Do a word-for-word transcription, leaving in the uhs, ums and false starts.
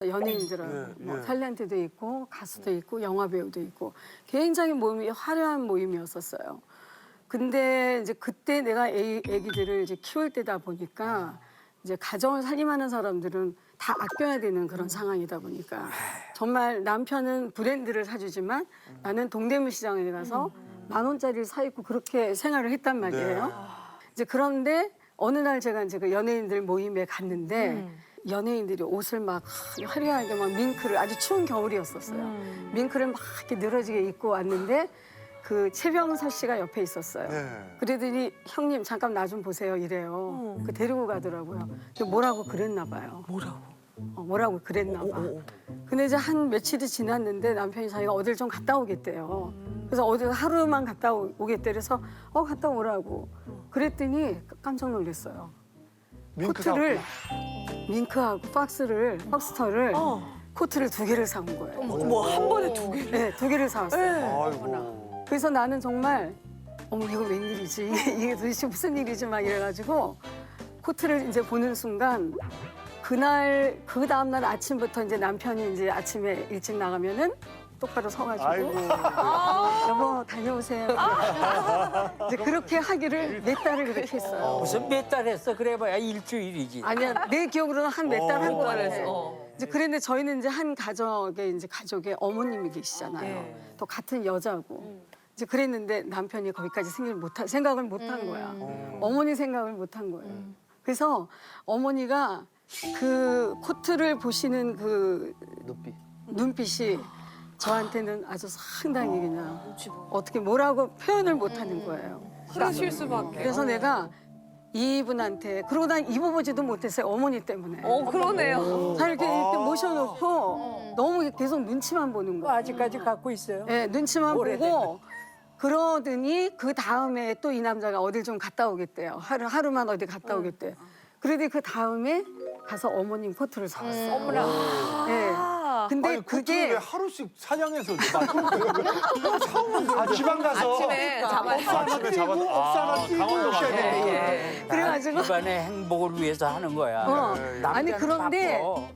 연예인들은 예, 뭐 예. 탤런트도 있고 가수도 있고 영화 배우도 있고 굉장히 모임이 화려한 모임이었었어요. 근데 이제 그때 내가 애, 애기들을 이제 키울 때다 보니까 이제 가정을 살림하는 사람들은 다 아껴야 되는 그런 상황이다 보니까 정말 남편은 브랜드를 사주지만 나는 동대문 시장에 가서 만 원짜리를 사 입고 그렇게 생활을 했단 말이에요. 이제 그런데 어느 날 제가 이제 그 연예인들 모임에 갔는데 연예인들이 옷을 막 화려하게 막 밍크를 아주 추운 겨울이었었어요. 밍크를 막 이렇게 늘어지게 입고 왔는데 그 최병서 씨가 옆에 있었어요. 네. 그러더니 형님 잠깐 나 좀 보세요 이래요. 그 데리고 가더라고요. 근데 뭐라고 그랬나 봐요. 뭐라고? 어, 뭐라고 그랬나 봐. 근데 이제 한 며칠이 지났는데 남편이 자기가 어딜 좀 갔다 오겠대요. 그래서 어디 하루만 갔다 오- 오겠대. 그래서 어 갔다 오라고. 그랬더니 깜짝 놀랐어요. 밍크 코트를 밍크하고 박스를 박스터를 어. 코트를 두 개를 사온 거예요. 뭐 한 번에 두 개? 네, 두 개를 사왔어요. 네. 아이고. 그래서 나는 정말 어머 이거 웬일이지 이게, 이게 도대체 무슨 일이지 막 이래가지고 코트를 이제 보는 순간 그날 그 다음 날 아침부터 이제 남편이 이제 아침에 일찍 나가면은 똑바로 서가지고 아이고. 여보 다녀오세요. 이제 그렇게 하기를 몇 달을 그렇게 했어요. 무슨 몇 달 했어? 그래봐야 일주일이지. 아니야 내 기억으로는 한 몇 달 한 거 같아. 어. 이제 그랬는데 저희는 이제 한 가족에 이제 가족에 어머님이 계시잖아요. 예. 또 같은 여자고. 이제 그랬는데 남편이 거기까지 생각을 못한 생각을 못한 거야. 어머니 생각을 못한 거예요. 그래서 어머니가 그 코트를 보시는 그 눈빛. 눈빛이 저한테는 아주 상당히 그냥 어떻게 뭐라고 표현을 못하는 거예요. 그러실 수밖에. 그래서 내가 이분한테 그러고 난 입어보지도 못했어요. 어머니 때문에. 어 그러네요. 잘 이렇게, 이렇게 모셔놓고 너무 계속 눈치만 보는 뭐 거야. 아직까지 갖고 있어요. 네, 눈치만 오래된 보고 그러더니 그 다음에 또 이 남자가 어딜 좀 갔다 오겠대요. 하루, 하루만 어디 갔다 오겠대. 그러더니 그 다음에 가서 어머님 코트를 사왔어요. 어머나. 네. 근데 아니, 코트를 왜 그게 하루씩 사냥해서 아, 지방 가서 아침에 잡아. 억수 하나 끼고 억수 하나 끼고 오셔야 되니까. 그래가지고 집안의 행복을 위해서 하는 거야. 어, 네. 아니 남자는 그런데 바빠.